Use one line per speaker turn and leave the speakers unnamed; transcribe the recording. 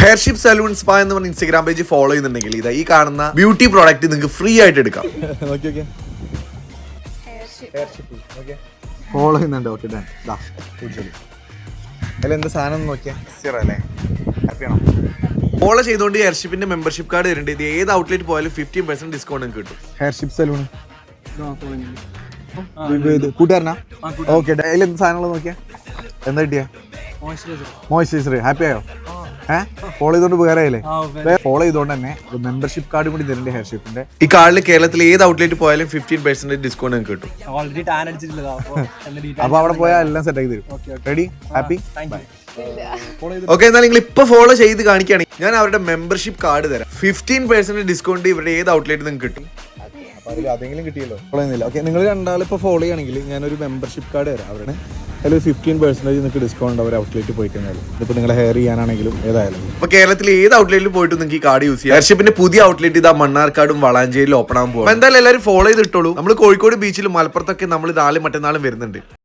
Heirship salon spa എന്ന് പറഞ്ഞ Instagram page follow ചെയ്യുന്നുണ്ടെങ്കിൽ ഇതാ ഈ കാണുന്ന ബ്യൂട്ടി പ്രോഡക്റ്റ് നിങ്ങൾക്ക് ഫ്രീ ആയിട്ട് എടുക്കാം.
ഫോളോ ചെയ്യുന്നുണ്ട്. ഓക്കെ എന്താ സാധനം നോക്കിയാ അല്ലേ? ഹാപ്പിയാണോ?
ഫോളോ ചെയ്തുകൊണ്ട് ഹെയർഷിപ്പിന്റെ മെമ്പർഷിപ്പ് കാർഡ് വരുന്നുണ്ട്. ഇത് ഏത് ഔട്ട്ലെറ്റ് പോയാലും 15% ഡിസ്കൗണ്ട് നിങ്ങൾക്ക് കിട്ടും.
Heirship salon കൂട്ടുകാരനാ? ഓക്കെ എന്ത് സാധനങ്ങൾ നോക്കിയാ? എന്താ കിട്ടിയാ? മോയ്സ്ചറൈസർ. ഹാപ്പി ആയോ? ഫോളോ ചെയ്തോണ്ട് ഉപകാരമായില്ലേ? ഫോളോ ചെയ്തോണ്ട് തന്നെ മെമ്പർഷിപ്പ് കാർഡ് കൂടി തരുന്നുണ്ട് ഹെയർഷിപ്പിന്റെ.
ഈ കാർഡിൽ കേരളത്തിൽ ഏത് ഔട്ട്ലെറ്റ് പോയാലും 15% ഡിസ്കൗണ്ട് നിങ്ങൾക്ക് കിട്ടും.
അപ്പൊ അവിടെ പോയാൽ എല്ലാം സെറ്റ് ആക്കി തരും. റെഡി? ഹാപ്പി?
ഓക്കെ, എന്നാൽ നിങ്ങൾ ഇപ്പൊ ഫോളോ ചെയ്ത് കാണിക്കുകയാണെങ്കിൽ ഞാൻ അവരുടെ മെമ്പർഷിപ്പ് കാർഡ് തരാം. 15% ഡിസ്കൗണ്ട് ഇവരുടെ ഏത് ഔട്ട്ലെറ്റ് നിങ്ങൾക്ക് കിട്ടും.
അതെങ്കിലും കിട്ടിയല്ലോ. ഫോളോ ചെയ്യുന്നില്ല. ഓക്കെ, നിങ്ങൾ രണ്ടാളും ഇപ്പോൾ ഫോളോ ചെയ്യുകയാണെങ്കിൽ ഞാനൊരു മെമ്പർഷിപ്പ് കാർഡ് തരാം. അവരുടെ അതിൽ 15% നിങ്ങൾക്ക് ഡിസ്കൗണ്ട് അവർ ഔട്ട്ലെറ്റ് പോയി കഴിഞ്ഞാൽ. ഇതിപ്പോൾ നിങ്ങൾ ഹെയർ ചെയ്യാനാണെങ്കിലും ഏതായാലും.
അപ്പൊ കേരളത്തിൽ ഏത് ഔട്ട്ലെറ്റിൽ പോയിട്ട് നിങ്ങൾക്ക് ഈ കാർഡ് യൂസ് ചെയ്യാം. ഹെയർഷിപ്പിന്റെ പുതിയ ഔട്ട്ലെറ്റ് ഇതാ മണ്ണാർക്കാടും വളാഞ്ചേരിയിലും ഓപ്പൺ ആകാൻ പോകും. എന്തായാലും എല്ലാവരും ഫോളോ ചെയ്തിട്ടുള്ളൂ. നമ്മൾ കോഴിക്കോട് ബീച്ചിലും മലപ്പുറത്തൊക്കെ നമ്മൾ നാളെ മറ്റന്നാളും വരുന്നുണ്ട്.